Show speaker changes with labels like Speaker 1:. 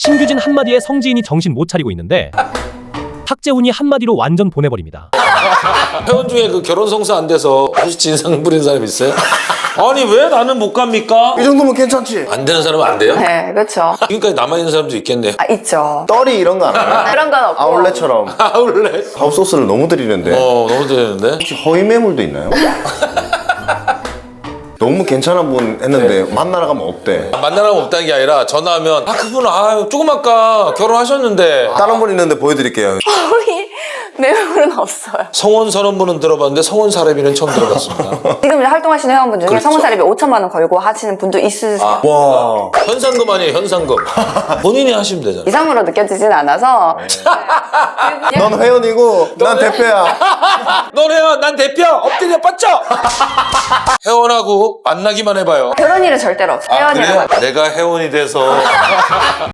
Speaker 1: 신규진 한마디에 성지인이 정신 못 차리고 있는데 탁재훈이 한마디로 완전 보내버립니다.
Speaker 2: 회원 중에 그 결혼 성사 안 돼서 혹시 진상 부리는 사람 있어요? 아니 왜 나는 못 갑니까?
Speaker 3: 이 정도면 괜찮지.
Speaker 2: 안 되는 사람은 안 돼요?
Speaker 4: 네, 그렇죠.
Speaker 2: 지금까지 남아있는 사람도 있겠네.
Speaker 4: 아, 있죠.
Speaker 3: 떨이 이런 거 안 해요?
Speaker 4: 그런 건 없고.
Speaker 3: 아울렛처럼
Speaker 2: 아울렛.
Speaker 3: 밥소스를 너무 드리는데
Speaker 2: 너무 되는데.
Speaker 3: 혹시 허위 매물도 있나요? 너무 괜찮은 분 했는데 만나러 가면 없대.
Speaker 2: 만나라면 없다는 게 아니라 전화하면 그분 조금 아까 결혼하셨는데
Speaker 3: 다른 분 있는데 보여드릴게요.
Speaker 4: 거의 내용은 없어요.
Speaker 2: 성원 선언문은 들어봤는데 성원 사례비는 처음 들어봤습니다.
Speaker 4: 지금 활동하시는 회원분 중에
Speaker 2: 그렇죠.
Speaker 4: 성원사립에 5천만 원 걸고 하시는 분도 있으세요.
Speaker 3: 와.
Speaker 2: 현상금 아니에요, 현상금. 본인이 하시면 되잖아요.
Speaker 4: 이상으로 느껴지진 않아서.
Speaker 3: 넌 회원이고 난 대표야.
Speaker 2: 너네야, 난 대표! 엎드려 뻗쳐! 회원하고 만나기만 해봐요.
Speaker 4: 그런 일은 절대로 없어요. 회원이라고.
Speaker 2: 내가 회원이 돼서